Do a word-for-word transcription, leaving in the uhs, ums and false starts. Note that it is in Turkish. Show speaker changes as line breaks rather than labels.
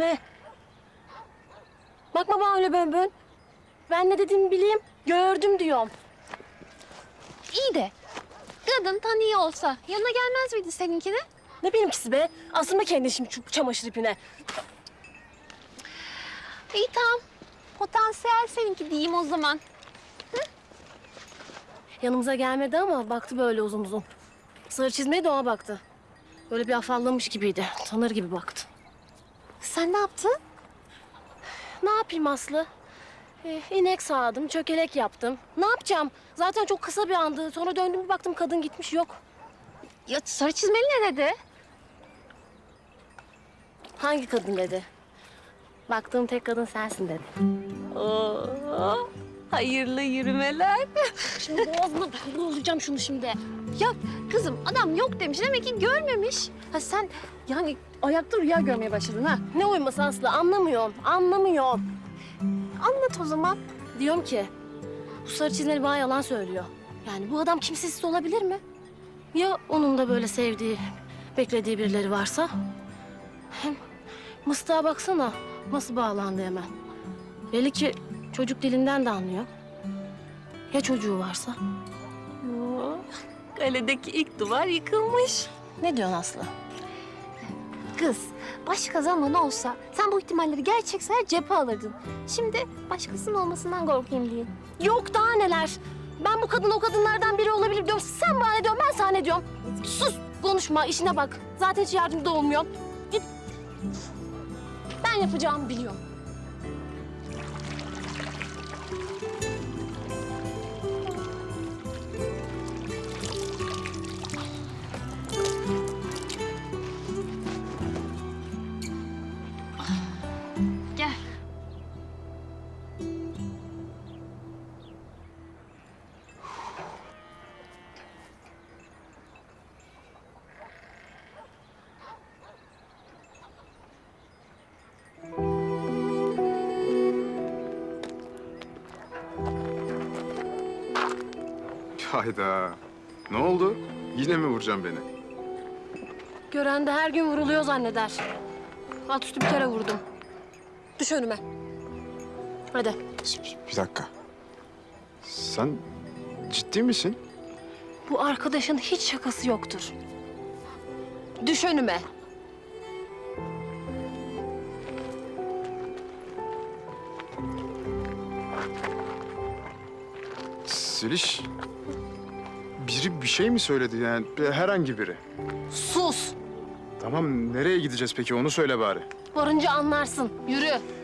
Ne? Bakma bana öyle bön bön. Ben ne dediğimi bileyim. Gördüm diyorum.
İyi de kadın tanıyor olsa yanına gelmez miydi seninkine?
Ne benimkisi be? Asılma kendini şimdi şu çamaşır ipine.
İyi tamam. Potansiyel seninki diyeyim o zaman.
Yanımıza gelmedi ama baktı böyle uzun uzun. Sarı çizmeye de ona baktı. Böyle bir afallamış gibiydi. Tanır gibi baktı.
Sen ne yaptın?
Ne yapayım Aslı? Ee, inek sağdım, çökelek yaptım. Ne yapacağım? Zaten çok kısa bir andı. Sonra döndüm bir baktım kadın gitmiş yok.
Ya sarı çizmeli ne dedi?
Hangi kadın dedi? Baktığım tek kadın sensin dedi.
Oo, hayırlı yürümeler.
Şimdi boğazına vurulacağım şunu şimdi.
Ya kızım adam yok demiş demek ki görmemiş. Ha sen yani ayakta rüya görmeye başladın ha.
Ne uyuması Aslı? Anlamıyorum, anlamıyorum.
Anlat o zaman.
Diyorum ki bu sarı çizmeli bana yalan söylüyor. Yani bu adam kimsesiz olabilir mi? Ya onun da böyle sevdiği, beklediği birileri varsa? Hem mıstığa baksana nasıl bağlandı hemen. Belli ki çocuk dilinden de anlıyor. Ya çocuğu varsa?
Oo, kaledeki ilk duvar yıkılmış.
Ne diyorsun Aslı?
Kız, başka zaman olsa sen bu ihtimalleri gerçek sayar cephe alırdın. Şimdi başkasının olmasından korkayım diye.
Yok daha neler. Ben bu kadın o kadınlardan biri olabilir diyorum. Sen bana ne diyorsun, ben sana ne diyorum? Sus, konuşma, işine bak. Zaten hiç yardımcı da olmuyor. Git. Ben yapacağımı biliyorum.
Gel.
Hayda. Ne oldu? Yine mi vuracaksın beni?
Gören de her gün vuruluyor zanneder. Alt üstü bir kere vurdum. Düş önüme. Hadi.
Bir dakika. Sen ciddi misin?
Bu arkadaşın hiç şakası yoktur. Düş önüme.
Zeliş, biri bir şey mi söyledi yani? Herhangi biri.
Sus.
Tamam, nereye gideceğiz peki? Onu söyle bari.
Varınca anlarsın. Yürü.